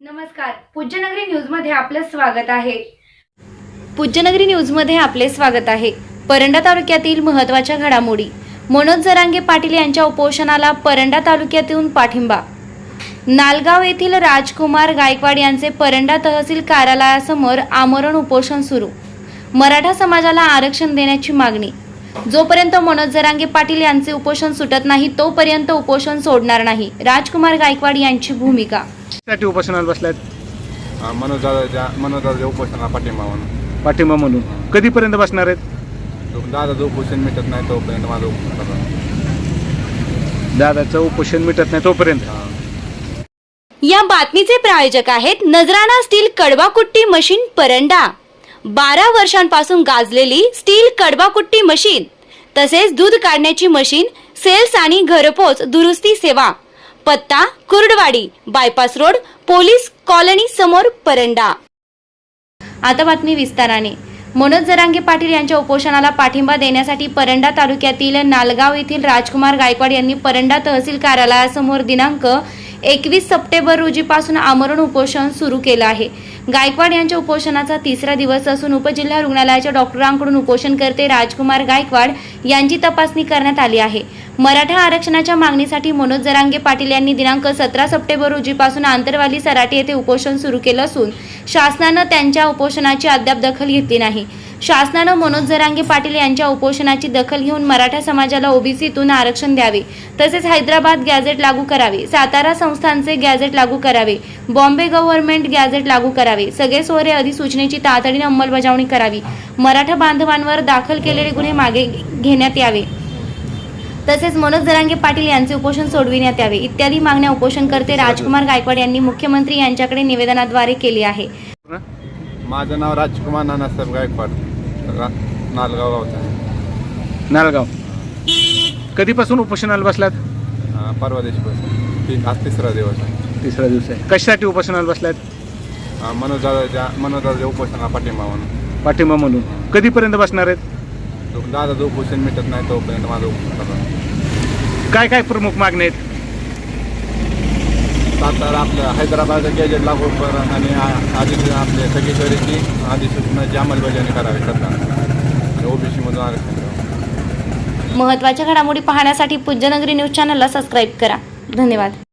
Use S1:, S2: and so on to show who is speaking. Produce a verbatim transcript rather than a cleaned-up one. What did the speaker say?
S1: नमस्कार, पूज्यनगरी न्यूज मध्ये आपले स्वागत आहे। पूज्यनगरी न्यूज मध्ये आपले स्वागत आहे। परंडा तालुक्यातील महत्त्वाच्या घडामोडी। मनोज जरांगे पाटील यांच्या उपोषणाला परंडा तालुक्यातून पाठिंबा। नालगाव येथील राजकुमार गायकवाड यांचे परंडा तहसील कार्यालयासमोर आमरण उपोषण सुरू। मराठा समाजाला आरक्षण देण्याची मागणी। जोपर्यंत मनोज जरांगे पाटील यांचे उपोषण सुटत नाही तोपर्यंत उपोषण सोडणार नाही। राजकुमार गायकवाड यांची भूमिका।
S2: साठी उपोषणाला बसलात?
S3: मनोज दादाच्या मनोज दादाच्या उपोषणाला पाठिंबा म्हणून
S2: पाठिंबा म्हणून कधीपर्यंत बसणार आहेत?
S3: दादाचं उपोषण मिटत नाही तोपर्यंत माझं उपोषण करणार।
S2: दादाचं उपोषण मिटत नाही तोपर्यंत।
S1: या बातमीचे प्रायोजक आहेत नजराणा स्टील कडवाकुट्टी मशीन परंडा। बारा वर्षांपासून गाजलेली स्टील कडवाकुट्टी मशीन तसेच दूध काढण्याची मशीन, सेल्स आणि घरपोच दुरुस्ती सेवा। पत्ता Kurduwadi, bypass road, police colony समोर, परंडा। आता बातमी विस्ताराने। मनोज जरांगे पाटील यांच्या उपोषणाला पाठिंबा देण्यासाठी परंडा तालुक्यातील नालगाव येथील राजकुमार गायकवाड यांनी परंडा तहसील कार्यालयासमोर दिनांक एकवीस सप्टेंबर रोजीपासून आमरण उपोषण सुरू केलं आहे। गायकवाड यांच्या उपोषणाचा तिसरा दिवस असून उपजिल्हा रुग्णालयाच्या डॉक्टरांकडून उपोषणकर्ते राजकुमार गायकवाड यांची तपासणी करण्यात आली आहे। मराठा आरक्षणाच्या मागणीसाठी मनोज जरांगे पाटील यांनी दिनांक सतरा सप्टेंबर रोजीपासून आंतरवाली सराटी येथे उपोषण सुरू केलं असून शासनानं त्यांच्या उपोषणाची अद्याप दखल घेतली नाही। शासनानं मनोज जरांगे पाटील यांच्या उपोषणाची दखल घेऊन मराठा समाजाला ओबीसीतून आरक्षण द्यावे, तसेच हैदराबाद गॅझेट लागू करावे, सातारा संस्थांचे गॅझेट लागू करावे, बॉम्बे गव्हर्नमेंट गॅझेट लागू करावे, सगळे सोहरे अधिसूचनेची तातडीने अंमलबजावणी करावी, मराठा बांधवांवर दाखल केलेले गुन्हे मागे घेण्यात यावे, तसेच मनोज जरांगे पाटील यांचे उपोषण सोडविण्यात यावे इत्यादी मागण्या उपोषणकर्ते राजकुमार गायकवाड यांनी मुख्यमंत्री यांच्याकडे निवेदनाद्वारे केली आहे।
S3: माझं नाव राजकुमार नानासाहेब गायकवाड, रा- नालगाव गावचा आहे।
S2: नालगाव कधीपासून उपोषणाला बसलात?
S3: अं, परवा दिवशीपासून ती आज तिसरा दिवस आहे।
S2: तिसरा दिवस आहे। कशासाठी उपोषणाला बसलात?
S3: अं, मनोज दादाच्या मनोज दादाच्या उपोषणाला पाठिंबा म्हणून
S2: पाठिंबा म्हणून कधीपर्यंत बसणार आहेत?
S3: दादाचं उपोषण मिटत नाही तोपर्यंत माझं उपोषण करणार।
S2: काय काय प्रमुख मागण्या आहेत?
S3: सातारा आपलं हैदराबादचं गॅजेट लागू कर आणि आ- आधी आपले सगळीकडची अधिसूचनाची अंमलबजावणी करावी सरकारने, ओबीसीमधून आरक्षण द्यावं।
S1: महत्त्वाच्या घडामोडी पाहण्यासाठी पूज्यनगरी न्यूज चॅनलला सबस्क्राईब करा। धन्यवाद।